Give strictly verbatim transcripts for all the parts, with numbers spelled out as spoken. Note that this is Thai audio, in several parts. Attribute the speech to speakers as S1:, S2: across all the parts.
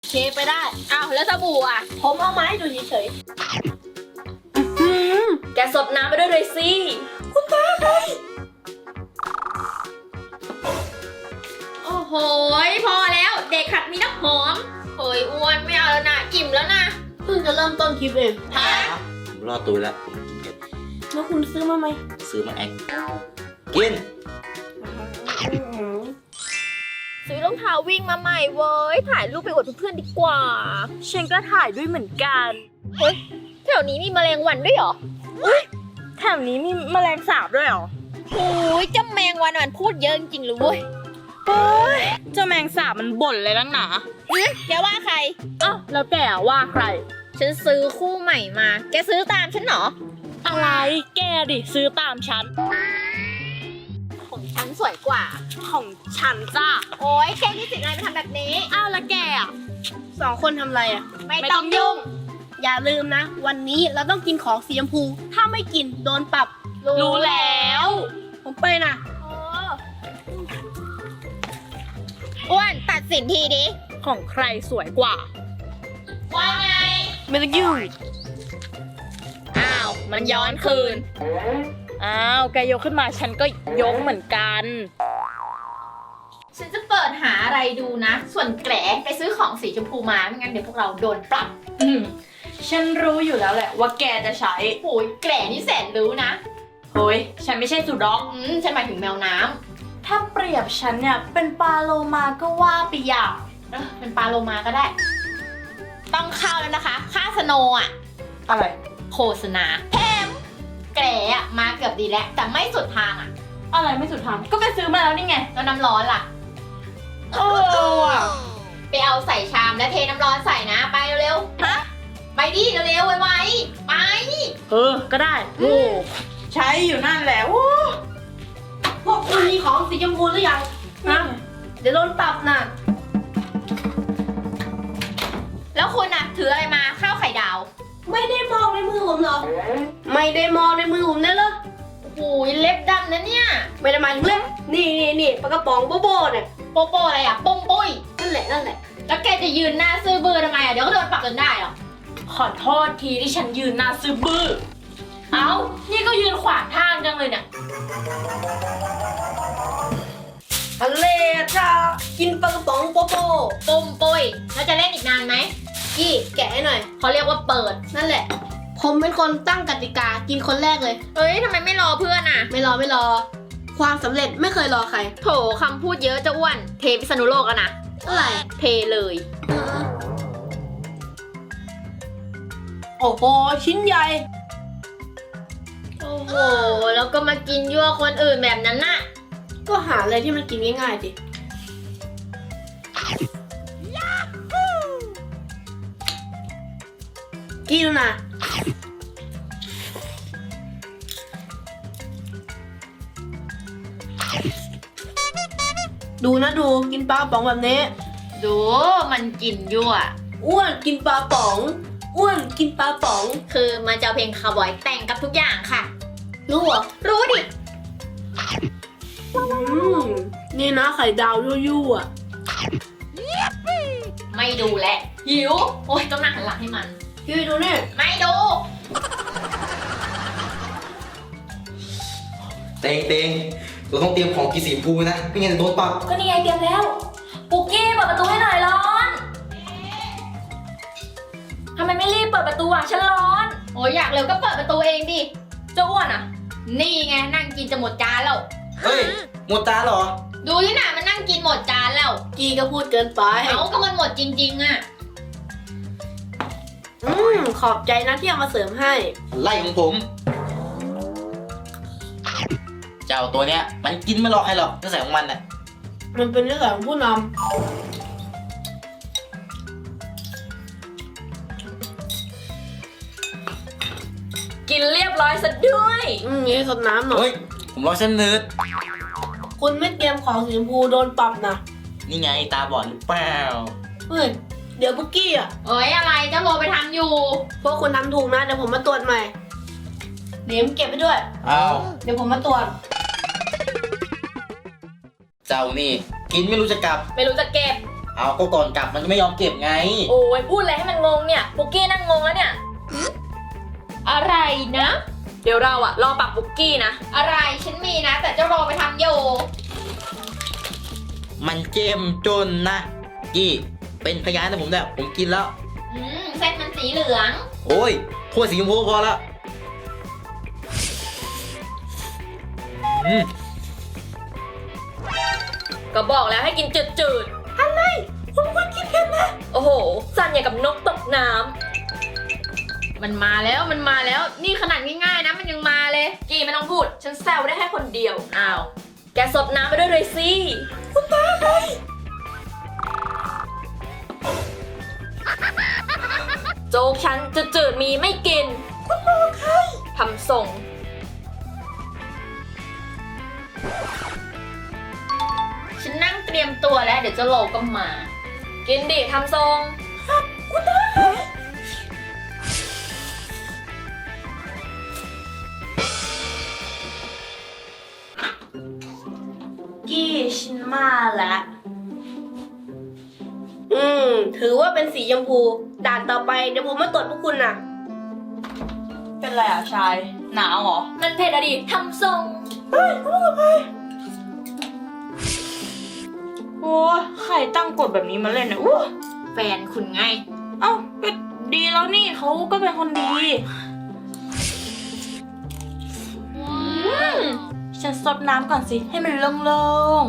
S1: เคไปได้
S2: อ้าวแล้วสบู่อ่ะ
S1: ผมเอามาให้ดูเฉยๆ
S2: แกสดน้ำไปด้วยเลยสิคุณตาใครโอ้โหพอแล้วเด็กขัดมีน้ำหอมเฮ้ยอ้วนไม่เอาแล้วนะอิ่มแล้วนะ
S1: เพิ่งจะเริ่มต้นคลิปเอง
S2: ฮะ
S3: ผมรอดตัวแล้วผมกินเผ็ด
S1: แล้วคุณซื้อมาไหม
S3: ซื้อมาแองกิน
S2: ซื้อรองเท้าวิ่งมาใหม่เว้ยถ่ายรูปไปอวดเพื่อนๆดีกว่า
S1: ฉันก็ถ่ายด้วยเหมือนกัน
S2: เฮ้ยแถวนี้มีแมลงวันด้วยเหรอ
S1: แถวนี้มีแมลงสาบด้วยเหรอ
S2: โอ้ยเจ้าแมงวันมันพูดเยอะจริงๆเลยเว้ย
S1: เฮ้ยเจ้าแมงสาบมันบ่นเลยนักหนา
S2: เอ๊ะแกว่าใคร
S1: อ้าวแล้วแกว่าใคร
S2: ฉันซื้อคู่ใหม่มา แกซื้อตามฉันเหรอ
S1: อะไรแกดิซื้อตามฉัน
S2: ของฉันสวยกว่า
S1: ของฉันจ้า
S2: โอ้ยแกนี่สิทธิ์อะไรมาทำแบบนี้
S1: อ้าวแล้วแกอ่ะสองคนทำอะไรอ่ะ
S2: ไม่ต้องยุ่ง
S1: อย่าลืมนะ วันนี้เราต้องกินของสีชมพู ถ้าไม่กินโดนปรับ รู้แล้ว ผมไปนะ
S2: เอออ้วนตัดสินทีดิ
S1: ของใครสวยกว่า
S2: ว่าไง
S1: ไม่ต้องยุ่ง
S2: อ้าว มันย้อนคืน
S1: อ้าวแกยกขึ้นมาฉันก็ยกเหมือนกัน
S2: ฉันจะเปิดหาอะไรดูนะ ส่วนแกลไปซื้อของสีชมพูมา ไม่งั้นเดี๋ยวพวกเราโดนปรับ
S1: อืมฉันรู้อยู่แล้วแหละว่าแกจะใช้
S2: โอ้ยแกลนี่แสนรู้นะ
S1: เฮ้ยฉันไม่ใช่สุด็อก
S2: อืม ฉันหมายถึงแมวน้ำ
S1: ถ้าเปรียบฉันเนี่ยเป็นปลาโลมาก็ว่าไปอย่าง
S2: เออเป็นปลาโลมาก็ได้ ต้องเข้าแล้วนะคะ ค่าสโนว์อ่ะ
S1: อะไร
S2: โฆษณาแถมแกลอะมาเกือบดีแล้ว แต่ไม่สุดทางอ่ะ
S1: อะไรไม่สุดทางก็ไปซื้อมาแล้วนี่ไง
S2: แล้วน้ำร้อนล่ะ
S1: เออว่ะ
S2: ไปเอาใส่ชามแล้วเทน้ำร้อนใส่นะ ไปเร็วๆ ฮะ ไปดิเร็วๆไวๆไป
S1: เออก็ได้โอ้ใช้อยู่นั่นแหละโอ้พวกคุณมีของสีชมพูหรือยังนะเดี๋ยวโดนปรับนะ
S2: แล้วคุณน่ะ ถืออะไรมาข้าวไข่ดาว
S1: ไม่ได้มองในมือผมเหรอ ไม่ได้มองในมือผมเลยเหรอ
S2: โอ้โหเล็บดำนะเนี่ย
S1: ไม่ได้หมายถึงเล่มนี่นี่นี่ปลากระป๋องโบโบเนี่ย
S2: โปโปอะไรอ่ะโป้งปุ้ย
S1: นั่นแหละนั่นแหละ
S2: แล้วแกจะยืนหน้าซื่อบื้อทำไมอ่ะ เดี๋ยวก็โดนปรับจนได้หรอ
S1: ขอโทษทีที่ฉันยืนหน้าซื้อบื้อ เอ้า นี่ก็ยืนขวางทางจังเลยเนี่ยทะเลจ้ากินปลากระป๋องโปโป
S2: ปุ้มปุ้ย แล้วจะเล่นอีกนานไหม
S1: กี้แกะให้หน่อย
S2: เขาเรียกว่าเปิด
S1: นั่นแหละ ผมเป็นคนตั้งกติกากินคนแรกเลย
S2: เอ้ยทำไมไม่รอเพื่อนอ่ะ
S1: ไม่รอไม่รอ ความสำเร็จไม่เคยรอใคร
S2: โถคำพูดเยอะจะอ้วน เทพิษณุโลกอะนะ
S1: อะไร
S2: เทเลย
S1: โอ้โห ชิ้นใหญ่
S2: โอ้โห แล้วก็มากินยั่วคนอื่นแบบนั้นน่ะ
S1: ก็หาอะไรที่มันกินง่ายๆสิกินนะดูนะดูกินปลากระป๋องแบบนี้
S2: ดูมันกินยั่ว
S1: อ้วนกินปลาป๋อง อ้วนกินปลาป๋อง
S2: คือมันจะเอาเพลงคาวบอยแต่งกับทุกอย่างค่ะ
S1: รู้เหรอ
S2: รู้ดิ
S1: อืมนี่นะไข่ดาวยั่วๆอ่ะ
S2: ไม่ดูแลวหิว โอ้ยต้องนั่งหันหลังให้มัน
S1: พี่ดูนี่
S2: ไม่ดู
S3: เต็งเต็งเราต้องเตรียมของกินสีชมพูนะไม่งั้นจะโดนปรับ
S2: ก็นี่ไงเตรียมแล้ว ปุกกี้เปิดประตูให้หน่อยร้อนทำไมไม่รีบเปิดประตูอ่ะฉันร้อน โอ้ยอยากเร็วก็เปิดประตูเองดิเจ้าอ้วนอ่ะ นี่ไงนั่งกินจะหมดจานแล้ว
S3: เฮ้ยหมดจานเหรอ
S2: ดูที่หนามันนั่งกินหมดจานแล้ว
S1: กีก็พูดเกินไป
S2: เอาก็มันหมดจริงๆอ่ะ
S1: อืมขอบใจนะที่เอามาเสริมให้
S3: ไล่ของผม เจ้าตัวเนี้ยมันกินไม่หลอกใครหรอกนิสัยของมันน่ะ
S1: มันเป็นนิสัยของผู้น
S2: กินเรียบร้อยซะด้วย
S1: ำอืมนี่สดน้ำหน่อย
S3: เฮ้ยผมรอเส้นเนืด
S1: คุณไม่เตรียมของสีชมพูโดนปรับนะ
S3: นี่ไงตาบอดหรือเปล่า
S1: เฮ้ย เดี๋ยวบุกกี้อ่ะ
S2: เอ้ยอะไรเจ้าโลไปทำอยู่
S1: พวกคุณทำถูกนะ เดี๋ยวผมมาตรวจใหม่ เดี๋ยวผมเก็บไปด้วย
S3: อ้าว
S1: เดี๋ยวผมมาตรวจ
S3: เจ้านี่กินไม่รู้จะกลับ
S2: ไม่รู้จะเก็บ
S3: เอาก็ก่อนกลับมันไม่ยอมเก็บไง
S2: โอ้ยพูดอะไรให้มันงงเนี่ยปุกกี้นั่งงงแล้วเนี่ยอะไรนะ เดี๋ยวเราอะรอปักปุกกี้นะอะไรฉันมีนะ แต่เจ้ารอไปทำโย
S3: มันเจ้มจนนะกี้เป็นพยานนะผมเนี่ยผมกินแล้ว
S2: อืมเส้นมันสีเหลือง
S3: โอ้ยถ้วยสีชมพูพอแล้วอืม
S2: ก็บอกแล้วให้กินจืดๆอะไรผมก็กินเผ็ดนะโอ้โหสั่นอย่างกับนกตกน้ำมันมาแล้วมันมาแล้วนี่ขนาดง่ายๆนะมันยังมาเลยกี่ไม่ต้องพูดฉันแซวได้แค่คนเดียวอ้าวแกสดน้ำไปด้วยเลยสิคุณตาใครโจ๊กฉันจืดๆมีไม่กินคุณมองใครทำส่งฉันนั่งเตรียมตัวแล้วเดี๋ยวเจะโลก็มา กินดิทำทรงครับคุณตา
S1: กี้ฉันมาแล้ว อืม ถือว่าเป็นสีชมพู ด่านต่อไปเดี๋ยวผมมาตรวจพวกคุณน่ะ เป็นไรอ่ะชาย หนาวเหรอ
S2: มันเผ็ดอะดิทำทรง
S1: เฮ้ยพูดไปโอ้ใครตั้งกฎแบบนี้มาเล่นเนี่ยอู้
S2: แฟนคุณไง
S1: เอ้าก็ดีแล้วนี่เขาก็เป็นคนดี ฉันซดน้ำก่อนสิ ให้มันโล่ง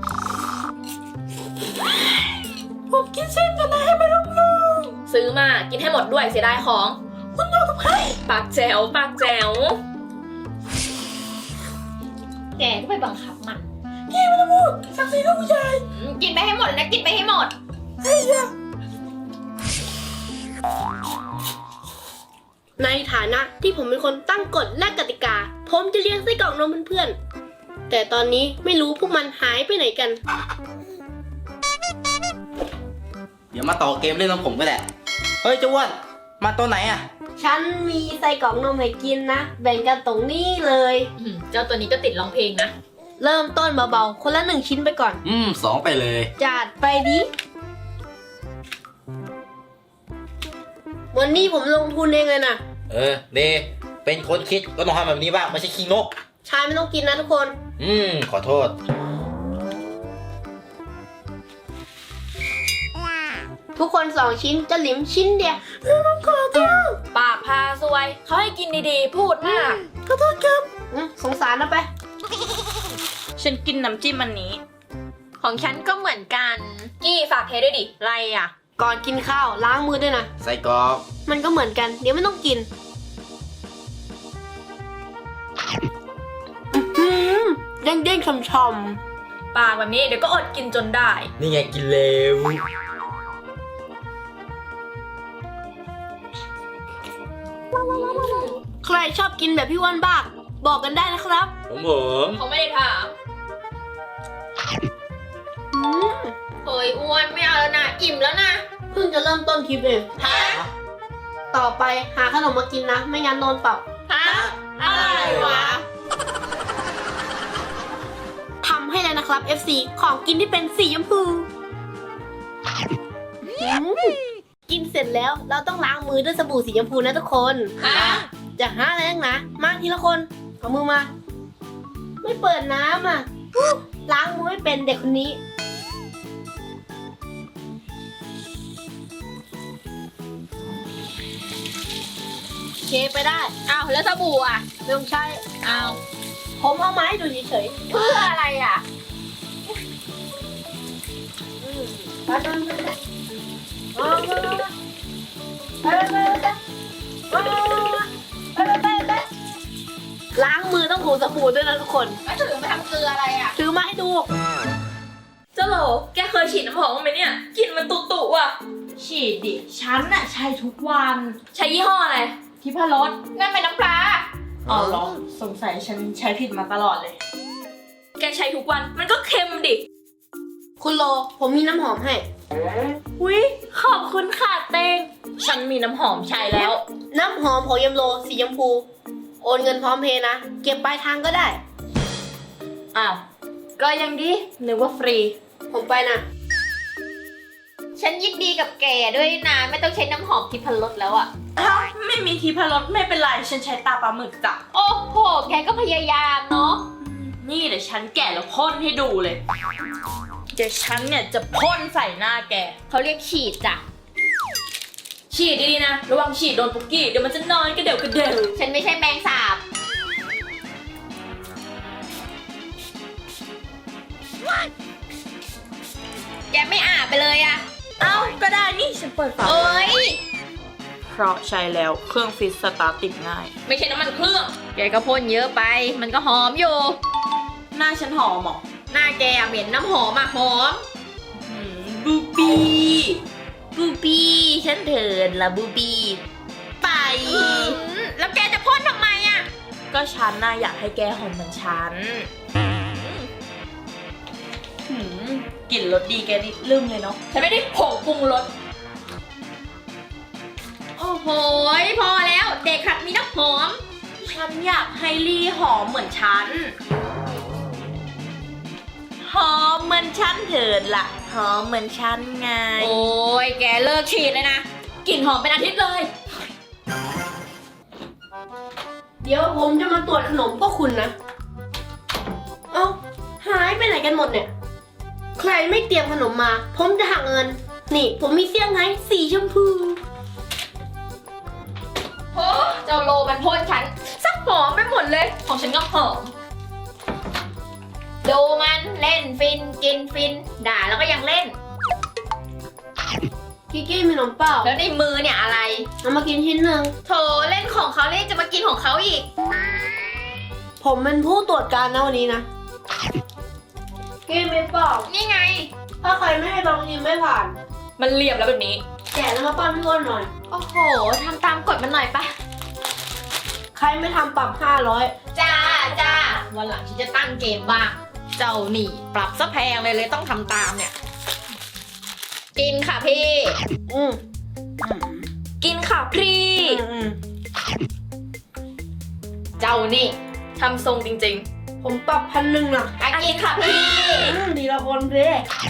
S1: ๆผมกินเส้นกันนะให้มันโล่ง
S2: ซื้อมากินให้หมดด้วยเสียดายของ
S1: ๆคุณนอนกับใคร
S2: ปากแจ๋วปากแจ๋วแกก็ไปบังคับมัน
S1: พี่ไม่ต้องพูดสักสีลูกผู้ชาย
S2: อืมกินไปให้หมดเลยนะกินไปให้หมด
S1: เฮ้ยอะในฐานะที่ผมเป็นคนตั้งกฎและกติกา ผมจะเลี้ยงไส้กรอกนมเพื่อนๆแต่ตอนนี้ไม่รู้พวกมันหายไปไหนกัน
S3: เดี๋ยวมาต่อเกมเล่นของผมก็ได้เฮ้ยเจ้าอ้วนมาตัวไหนอ่ะ
S1: ฉันมีไส้กรอกนมให้กินนะ แบ่งกันตรงนี้เลย
S2: อืมเจ้าตัวนี้ก็ติดร้องเพลงนะ
S1: เริ่มต้นเบาๆ คนละหนึ่งชิ้นไปก่อน
S3: อืมสองไปเลย
S1: จัดไปดิ วันนี้ผมลงทุนเองเลยนะ
S3: เออเดเป็นคนคิดก็ต้องทำแบบนี้บ้างไม่ใช่ขี้งก
S1: ชายไม่ต้องกินนะทุกคน
S3: อืมขอโทษ
S1: ทุกคนสองชิ้นจะหลิมชิ้นเดียวขอโทษ
S2: ปากพาซวย เขาให้กินดีๆ พูดมาก
S1: ขอโทษครับสงสารนะไป
S4: ฉันกินน้ำจิ้มอันนี้
S2: ของฉันก็เหมือนกัน กี้ฝากเทด้วยดิ
S4: ไรอ่ะ
S1: ก่อนกินข้าวล้างมือด้วยนะ
S3: ใส่กรอก
S1: มันก็เหมือนกัน เดี๋ยวไม่ต้องกินเด้งเด้งๆช่ำ
S2: ปากแบบนี้เดี๋ยวก็อดกินจนได้
S3: นี่ไงกินเร็ว
S1: ๆใครชอบกินแบบพี่อ้วันบ้างบอกกันได้นะครับ
S3: ผมผม
S2: เขาไม่ได้ถาม
S1: อืม
S2: เฮ้ยอ้วนไม่เอาแล้วนะอิ่มแล้วนะ
S1: เพิ่งจะเริ่มต้นคลิปเอง
S2: ฮะ
S1: ต่อไปหาขนมมากินนะ ไม่งั้นโดนปรับ
S2: ฮะอะไรวะ
S1: ทำให้แล้วนะครับ เอฟ ซี ของกินที่เป็นสีชมพูอืมกินเสร็จแล้วเราต้องล้างมือด้วยสบู่สีชมพูนะทุกคน
S2: ฮะ
S1: จะหาอะไรนักหนะมาทีละคน เอามือมา ไม่เปิดน้ำอ่ะอู้ล้างมือไม่เป็นเด็กคนนี้ เคไปได้
S2: อ้าวแล้วสบู่อ่ะ
S1: ไม่ต้องใช้
S2: อ้าว
S1: ผมเอาไมาให้ดูเฉย
S2: เพื่ออะไรอ่ะ
S1: ๆอืมไปไปไปไปเอาไปไปไปไปไปไปไปไปไปไปไปไปล้างมือต้องถูสบู่ด้วยนะทุกคน
S2: ก็ถือมาทำเกลืออะไรอ่ะ
S1: ถือมาให้ดู
S2: เจ้าโหลแกเคยฉีดน้ำหอมบ้างไหมเนี่ยกลิ่นมันตุตุอ่ะ
S4: ฉีดดิ ฉันน่ะใช้ทุกวัน
S2: ใช้ยี่ห้ออะไร
S4: ทิพรส
S2: นั่นเป็นน้ำปลา
S4: อ๋อเหรอ สงสัยฉันใช้ผิดมาตลอดเลย
S2: แกใช้ทุกวันมันก็เค็มดิ
S1: คุณโล ผมมีน้ำหอมให้
S2: อุ๊ยขอบคุณค่ะเต้งฉันมีน้ำหอมใช้แล้ว
S1: น้ำหอมของยมโลสีชมพู โอนเงินพร้อมเพย์นะ เก็บปลายทางก็ได้
S2: อ้าว ก็ยังดีนึกว่าฟรี
S1: ผมไปนะ
S2: ฉันยินดีกับแกด้วยนะไม่ต้องใช้น้ำหอมทิพรสแล้วอะ
S4: อ้าวไม่มีทีพรสไม่เป็นไร ฉันใช้ตาปลาหมึกจ้ะ
S2: โอ้โห แกก็พยายามเนาะ
S4: นี่เดี๋ยวฉันแกะแล้วพ่นให้ดูเลย เดี๋ยวฉันเนี่ยจะพ่นใส่หน้าแก
S2: เขาเรียกฉีดจ้ะ
S4: ฉีดดีๆนะ ระวังฉีดโดนปุกกี้ เดี๋ยวมันจะนอนกระเดี่ยวกระเดี่ยว
S2: ฉันไม่ใช่แมงสาบ แกไม่อาบไปเลยอะ
S4: เอ้าก็ได้นี่ฉันเปิดฝา
S2: เอ้ย
S4: เพราะใช้แล้วเครื่องฟิตสตาร์ทติดง่าย
S2: ไม่ใช่น้ำมันเครื่อง แกก็พ่นเยอะไป มันก็หอมอยู่
S4: หน้าฉันหอมเหรอ
S2: หน้าแกอะเหม็นน้ำหอมอะหอม
S4: อืมบูบี้
S2: บูบี้ฉันเถินละบูบี้
S4: ไป
S2: แล้วแกจะพ่นทำไมอะ
S4: ก็ฉันน่ะอยากให้แกหอมเหมือนฉันหืมกลิ่นรสดีแกนี่ลืมเลยเนาะ
S2: ฉันไม่ได้ผงปรุงรส โอ้โห พอแล้วเด็กขัดมีน้ำหอม
S4: ฉันอยากให้ลี่หอมเหมือนฉัน หอมเหมือนฉันเถิดล่ะ หอมเหมือนฉันไง
S2: โอ้ยแกเลิกฉีดเลยนะ กลิ่นหอมเป็นอาทิตย์เลย
S1: เดี๋ยวผมจะมาตรวจขนมพวกคุณนะ เอ้าหายไปไหนกันหมดเนี่ย ใครไม่เตรียมขนมมา ผมจะหักเงิน นี่ ผมมีเซี่ยงไฮ้สีชมพู
S2: โอ้เจ้าโลมันพ่นฉันสักหอมไปหมดเลย
S4: ของฉันก็หอม
S2: ดูมันเล่นฟินกินฟิน ด่าแล้วก็ยังเล่น
S1: กิกกี้มีขนมเปล่า
S2: แล้วในมือเนี่ยอะไร
S1: เอามากินชิ้นหนึ่ง
S2: โถเล่นของเขาเล่นจะมากินของเขาอีก
S1: ผมเป็นผู้ตรวจการนะวันนี้นะ กินไม่เปล่า
S2: นี่ไง
S1: ถ้าใครไม่ให้บางทีไม่ผ่าน
S4: มันเหลี่ยมแล้วแบบนี้
S1: แกะแล้วมาปั้นพี่อ้วนหน่อย
S2: โอ้โหทำตามกฎมันหน่อยปะ
S1: ใครไม่ทำปรับห้าร้อย
S2: จ้าจ้าวันหลังฉันจะตั้งเกมบ้าง เจ้าหนี่ปรับซะแพงเลยเลยต้องทำตามเนี่ย กินค่ะพี่
S1: อืม
S4: กินค่ะพี่
S1: อืม
S2: เจ้านี่
S4: ทำทรงจริง
S1: ผมปรับพันหนึ่งนะ
S2: อ่ะกินค่ะพี่
S1: อืมดีละคนเด้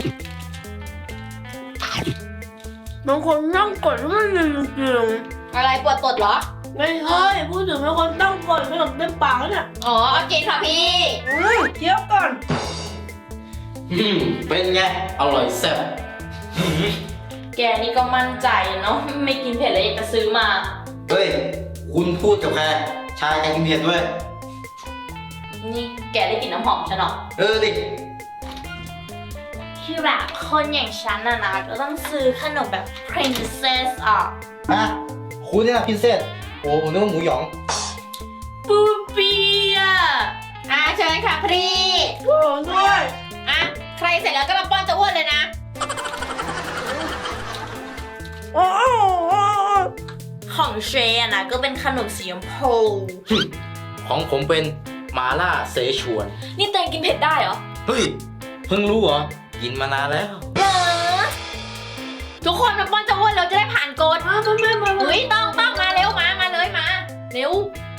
S1: บางคนนั่งกดแล้วมันลืมจริง
S2: อะไรปวดตดเหรอ
S1: ๆไม่ใช่พูดถึงบางคนตั้งกดขนมเต็มปากแล้วเนี่ย
S2: อ๋อเอากินค่ะพี่
S1: อืมเคี้ยวก่อน
S3: อืม เป็นไง อร่อยแซ่บ
S4: ๆ แกนี่ก็มั่นใจเนาะ ไม่กินเผ็ดเลยอยากจะซื้อมา
S3: เฮ้ย คุณพูดกับใคร ชายแกกินเผ็ดด้วย
S4: นี่แกได้กลิ่นน้ำหอมฉันเหรอ
S3: เออดิ
S4: ที่แบบคนอย่างฉันน่ะนะก็ต้องซื้อขนมแบบ princess อ่ะ
S3: ฮะ คุณเนี่ยนะพินเซสโอ้ผมนึกว่าหมูหยอง
S4: ปูปี้อ่ะ
S2: อ่ะเชิญค่ะพี่
S1: โอ้ด้วย
S2: อ่ะใครเสร็จแล้วก็มาป้อนเจะอ้วนเลยนะ
S1: โอ้โห
S4: ของเชยอะนะก็เป็นขนมสีชมพู
S3: ของผมเป็นมาล่าเสฉวน
S4: นี่เตงกินเผ็ดได้เหรอ
S3: เฮ้ย เพิ่งรู้เหรอ กินมานานแล้ว
S2: เหรอทุกคนมาป้อนเจะอ้วนเราจะได้ผ่านกฎ
S1: มามามามา
S2: เฮ้ยต้องต้องมาเร็วมามาเลยมาเร็ว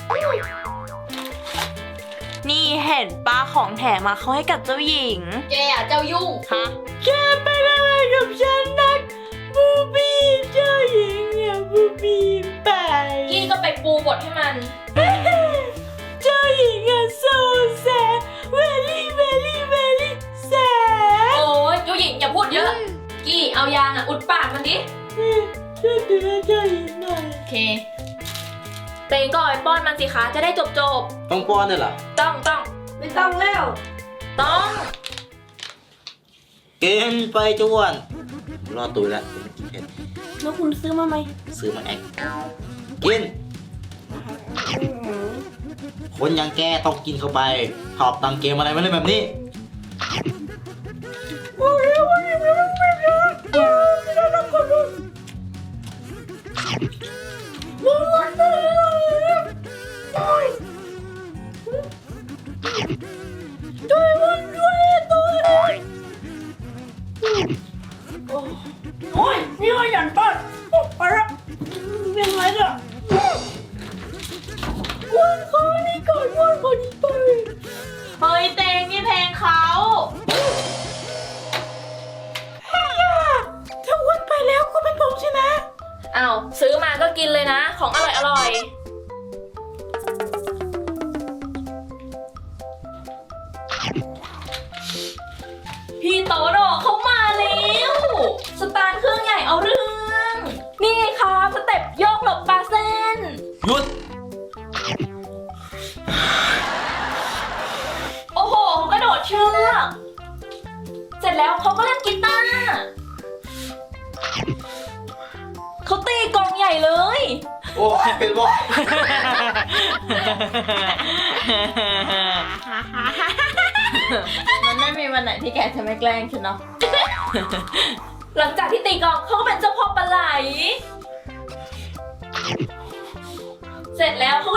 S4: นี่เห็นป้าของแถมมาเขาให้กับเจ้าหญิง
S2: แกอ่ะเจ้ายุ่ง
S4: ฮะ แกไปอะไรกับฉันนักบูบี้เจ้าหญิงเนี่ยบูบี้ไปกี้ก็ไปปูบทให้มัน เจ้าหญิงอะโซแซเวลี่เวลี่เวลี่แซ
S2: โอ้ยเจ้าหญิงอย่าพูดเยอะ กี้เอายางอ่ะอุดปากมันดิ
S4: ช่วยดูแลเจ้าหญิงหน่อย
S2: โอเค
S4: เตงก็เอาไปป้อนมันสิคะจะได้จบจบ
S3: ต้องป้อนด้วยเหรอ
S4: ๆต้องต้อง
S1: ไม่ต้องแล้ว
S4: ต้อง
S3: กินไปจวน รอดตัวแล้วผมไม่กินเผ็ด
S1: แล้วคุณซื้อมาไหม
S3: ซื้อมาแอกกิน คนอย่างแกต้องกินเข้าไปชอบตังเกมอะไรมาเล่นแบบนี้
S1: โอ้ยนี่ก็หยันป้อนโอ้ไปละเป็นไรเนี่ยวันขอนี่ก่อนวันขอนี่ไป
S4: เฮ้ยเตงนี่เพลง
S2: อ้าวซื้อมาก็กินเลยนะ ของอร่อยอร่อยพี่โตโน่เขามาแล้วสตาร์ทเครื่องใหญ่เอาเรื่อง นี่ไงครับสเต็ปโยกหลบปลาเส้น
S3: หยุด
S2: โอ้โหเขากระโดดเชือกเสร็จแล้วเขาก็เล่นกีตาร์เขาตีกลองใหญ่เลย
S3: โอ้ยเป็นบ่อย
S4: มันไม่มีวันไหนที่แกจะไม่แกล้งฉันเนาะ
S2: หลังจากที่ตีกลองเขาก็เป็นเจ้าพ่อปลาไหล เสร็จแล้วเขา